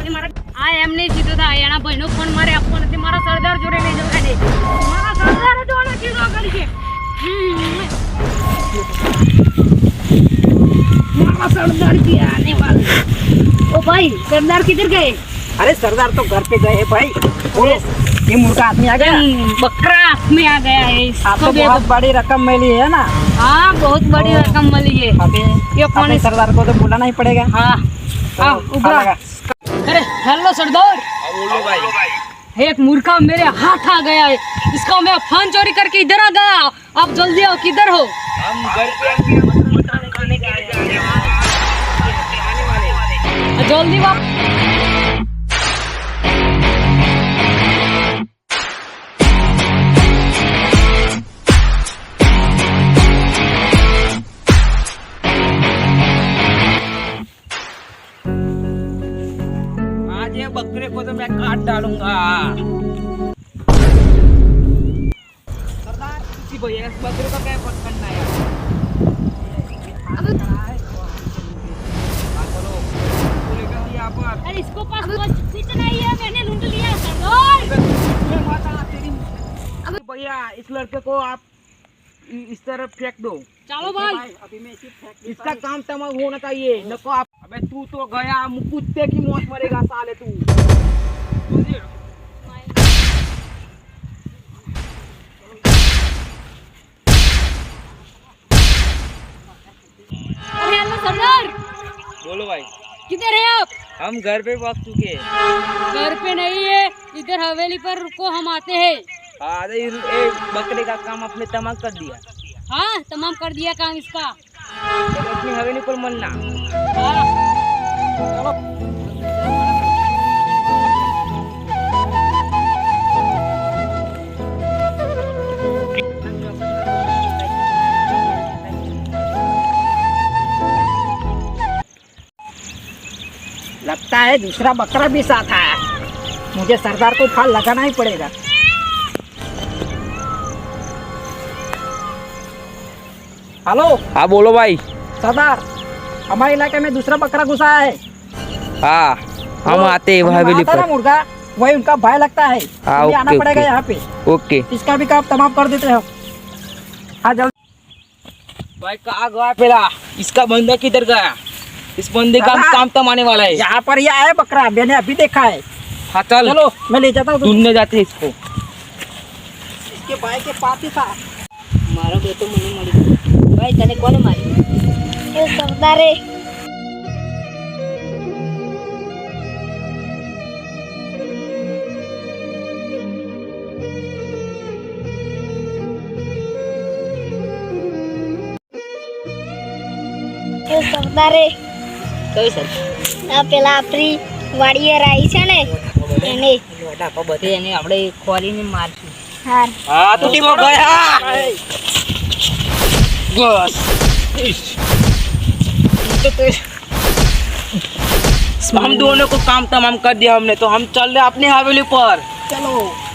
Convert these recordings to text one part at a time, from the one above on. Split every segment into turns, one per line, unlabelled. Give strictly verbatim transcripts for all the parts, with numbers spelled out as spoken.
આ એમ નહીં સીધો થાય એના ભાઈનો ફોન મારે આપવો નથી મારા સરદાર જોડે લઈ જવા દે મારા સરદાર જોડે કીધો કરી છે मारा सरदार की आने वाले ओ भाई सरदार किधर गए?
अरे सरदार तो घर पे गए हैं भाई। बोलो ये मुर्गा हाथ में आ गया,
बकरा हाथ में आ गया है।
आपको बहुत बड़ी रकम मिली है ना?
हाँ बहुत बड़ी रकम मिली है।
अभी
ये फोन
सरदार को तो बुलाना ही पड़ेगा।
हाँ हाँ उबरा। अरे हेलो सरदार।
बोलो भाई।
एक मूर्खा मेरे हाथ आ गया है, इसका मैं फोन चोरी करके इधर आ गया। आप जल्दी आओ, किधर हो?
हम घर पे खाने के लिए आने वाले।
जल्दी वापस।
आज ये बकरे को तो मैं काट डालूंगा। सरदार किसी भैया इस बकरे को क्या पकड़ना है?
अरे इसको पास कुछ नहीं है, मैंने लूट लिया सरदार।
भैया इस लड़के को आप इस तरफ फेंक दो।
चलो भाई
अभी मैं इसे फेंक
इसका काम तमाम होना चाहिए। नको आप अबे तू तो गया कुत्ते की मौत मरेगा साले तू।
अरे हेलो सरदार।
बोलो भाई।
किधर है आप?
हम घर पे पहुंच चुके हैं।
घर पे नहीं है, इधर हवेली पर रुको, हम आते हैं।
हाँ ये बकरे का काम आपने तमाम कर दिया।
हाँ तमाम कर दिया काम इसका।
तो अपनी हवेली पर मरना।
हाँ
चलो।
लगता है दूसरा बकरा भी साथ आया, मुझे सरदार को फाल लगाना ही पड़ेगा। हेलो।
हाँ बोलो भाई।
सरदार हमारे इलाके में दूसरा बकरा घुसा है।
हाँ हम आते हैं हवेली पर।
मुर्गा वही उनका भाई लगता है।
हाँ
ओके, आना पड़ेगा यहाँ पे।
ओके
इसका भी काम तमाम कर देते हो। हाँ जल्दी।
भाई कहाँ गया पहला? इसका बंदा किधर गया? इस बंदे का काम तमाने वाला है।
यहाँ पर ये आया बकरा, मैंने अभी देखा है।
हाँ चल
चलो मैं ले जाता हूँ।
ढूंढने जाते हैं इसको।
इसके भाई के पास ही था।
मारो तो मुझे मरी भाई तने कौन मारी?
ये सरदार है। ये सरदार है।
કઈ સર
આ પેલા આપણી વાડીએ રાઈ છે ને એને
મોટા પા બધે એને આપણે ખોરીને મારશું.
હાર
हाँ तो वो गया। बस हम दोनों को काम तमाम कर दिया हमने, तो हम चल रहे अपनी हवेली पर।
चलो।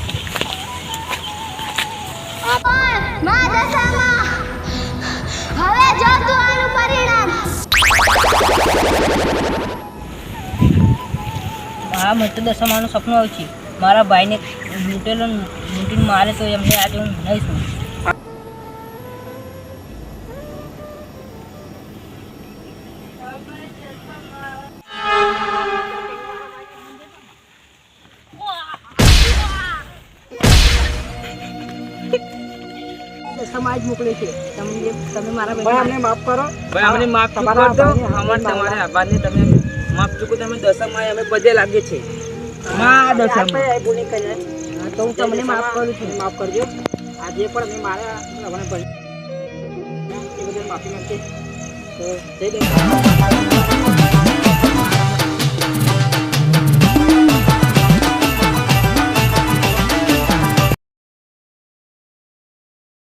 માં દશામાં હવે જો તું પરિણામ
હા મને તો દશામાનું સપનું આવ્યું છે. મારા ભાઈને લૂંટેલો લૂંટીને મારે તો એમને આજે હું નહીં છું.
समाज मोकले છે તમે તમે મારા
ભાઈ
અમને માફ કરો.
ભાઈ અમને માફ
તમારા
કરી દો.
આભારને
અમાર
માફ
તમારે આભારને તમે માફ ચૂકો. તમે દશામાં અમે પદે લાગે છે. માં દશામાં
આપણે ભૂલ નહીં કરી. હા, તો હું તમને માફ કરું છું. માફ કરજો. આજે પણ મેં મારા આપણે ભણી એ બદલ માફી માંગીએ. તો જય દેવ.